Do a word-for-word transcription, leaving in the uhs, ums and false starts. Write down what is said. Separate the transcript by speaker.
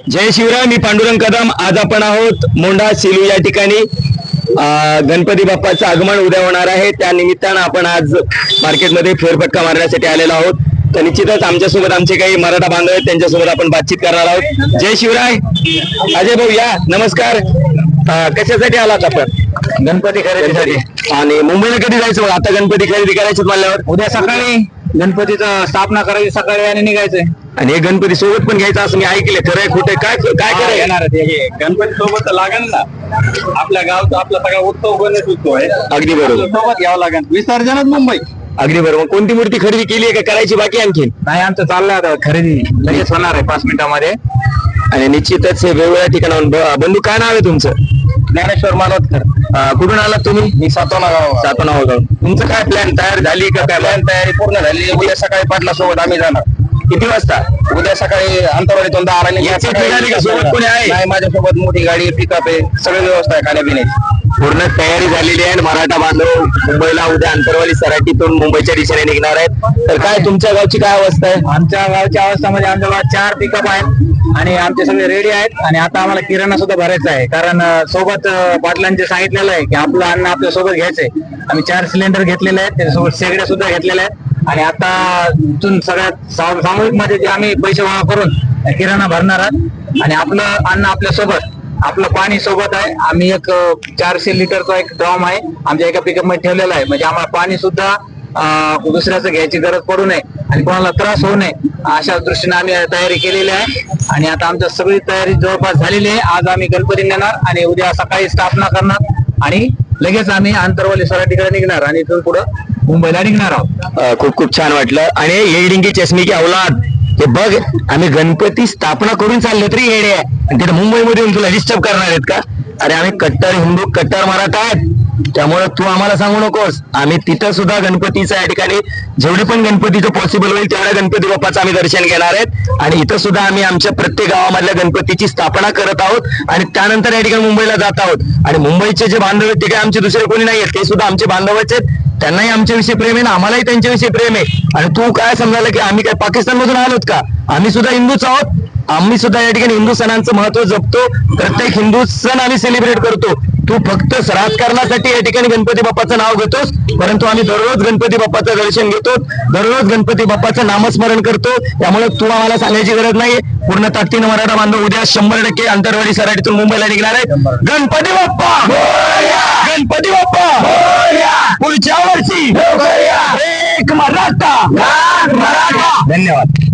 Speaker 1: जय शिवराय. मी पांडुरंग कदम. आज आपण आहोत मोंढा सेलू या ठिकाणी. गणपती बाप्पाचं आगमन उद्या होणार आहे, त्या निमित्तानं आपण आज मार्केटमध्ये फेरफटका मारण्यासाठी आलेलो आहोत. तर निश्चितच आमच्यासोबत आमचे काही मराठा बांधव आहेत, त्यांच्यासोबत आपण बातचीत करणार आहोत. जय शिवराय. अजय भाऊ या, नमस्कार. कशासाठी आलात आपण?
Speaker 2: गणपती खरेदीसाठी.
Speaker 1: आणि मुंबईला कधी जायचं मग? आता गणपती खरेदी करायचे म्हणल्यावर
Speaker 2: उद्या सकाळी गणपतीचं स्थापना करायची, सकाळी आणि निघायचंय.
Speaker 1: आणि हे गणपती सोबत पण घ्यायचं असं मी ऐकले, खरंय खोटे? काय काय करायचं?
Speaker 2: येणार गणपती सोबत लागेल ना, आपल्या गावचा आपला सगळा उत्सव गणेश उत्सव आहे.
Speaker 1: अगदी बरोबर,
Speaker 2: सोबत घ्यावं लागेल. विसर्जनच मुंबई.
Speaker 1: अगदी बरोबर. कोणती मूर्ती खरेदी केली आहे का करायची बाकी आणखीन?
Speaker 2: नाही, आमचं चाललंय आता खरेदी, लगेच होणार आहे पाच मिनिटांमध्ये.
Speaker 1: आणि निश्चितच हे वेगवेगळ्या ठिकाणाहून. बंधू काय नाव आहे तुमचं?
Speaker 2: ज्ञानेश्वर मानोतकर.
Speaker 1: कुठून आलात तुम्ही?
Speaker 2: मी सातोना गाव.
Speaker 1: सातोना गाव. तुमचं काय प्लॅन तयार झाली का? काय
Speaker 2: प्लॅन तयारी पूर्ण झाली. उद्या सकाळी पाटला सोबत आम्ही जाणार.
Speaker 1: किती वाजता?
Speaker 2: उद्या सकाळी अंतरवाडीतून दहा
Speaker 1: याची गाडी का सोबत कोणी आहे?
Speaker 2: नाही, माझ्यासोबत मोठी गाडी, पिकअप आहे, सगळी व्यवस्था आहे खाण्यापिण्याची.
Speaker 1: पूर्ण तयारी झालेली आहे. मराठा बांधव मुंबईला उद्या अंतरवाली सराटीतून मुंबईच्या दिशेने निघणार आहेत. तर काय तुमच्या गावची काय अवस्था आहे?
Speaker 2: आमच्या गावच्या अवस्थामध्ये आमच्या गावात चार पिकअप आहेत आणि आमचे सगळे रेडी आहेत. आणि आता आम्हाला किराणा सुद्धा भरायचा आहे, कारण अं, सोबत अं, पाटलांचे सांगितलेलं आहे की आपलं अन्न आपल्या सोबत घ्यायचंय. आम्ही चार सिलेंडर घेतलेले आहेत, त्याच्यासोबत शेगड्या सुद्धा घेतलेल्या आहेत. आणि आता इथून सगळ्यात सामूहिक मध्ये जे आम्ही पैसे गोळा करून किराणा भरणार आहोत. आणि आपलं अन्न आपल्या सोबत, आपलं पाणी सोबत आहे. आम्ही एक चारशे लिटरचा एक ड्रम आहे आमच्या एका पिकअप मध्ये ठेवलेला आहे, म्हणजे आम्हाला पाणी सुद्धा अं, दुसऱ्याचं घ्यायची गरज पडू नये आणि कोणाला त्रास होऊ नये, अशा दृष्टीने आम्ही तयारी केलेली आहे. आणि आता आमच्या सगळी तयारी जवळपास झालेली आहे. आज आम्ही गणपती नेणार आणि उद्या सकाळी स्थापना करणार आणि लगेच आम्ही आंतरवाली सराटीकडे निघणार आणि इथून पुढे मुंबईला निघणार आहोत.
Speaker 1: खूप खूप छान वाटलं. आणि ये डिंगी चष्मी की औलाद, हे बघ, आम्ही गणपती स्थापना करून चाललो तरी येडे आहे, आणि तिथे मुंबईमध्ये येऊन तुला डिस्टर्ब करणार आहेत का? अरे आम्ही कट्टर हिंदू, कट्टर मराठा आहेत, त्यामुळे तू आम्हाला सांगू नकोस. आम्ही तिथं सुद्धा गणपतीचं या ठिकाणी जेवढे पण गणपतीचं पॉसिबल होईल तेवढ्या गणपती बाप्पाचं आम्ही दर्शन घेणार आहेत. आणि इथं सुद्धा आम्ही आमच्या प्रत्येक गावामधल्या गणपतीची स्थापना करत आहोत आणि त्यानंतर या ठिकाणी मुंबईला जात आहोत. आणि मुंबईचे जे बांधव आहेत ते काय आमचे दुसरे कोणी नाही आहेत, ते सुद्धा आमचे बांधवच आहेत. त्यांनाही आमच्याविषयी प्रेम आहे ना, आम्हालाही त्यांच्याविषयी प्रेम आहे. आणि तू काय समजायला की आम्ही काय पाकिस्तान मधून आलोत का? आम्ही सुद्धा हिंदूच आहोत. आम्ही सुद्धा या ठिकाणी हिंदू सणांचं महत्व जपतो. प्रत्येक हिंदू सण आम्ही सेलिब्रेट करतो. तू फक्त राजकारणासाठी या ठिकाणी गणपती बाप्पाचं नाव घेतोस, परंतु आम्ही दररोज गणपती बाप्पाचं दर्शन घेतो, दररोज गणपती बाप्पाचं नामस्मरण करतो. त्यामुळे तू आम्हाला सांगायची गरज नाही. पूर्ण ताकदीनं मराठा बांधव उद्या शंभर टक्के अंतरवाडी सराटीतून मुंबईला निघणार आहे. गणपती बाप्पा, गणपती बाप्पा, पुढच्या वर्षी एक मराठा. धन्यवाद.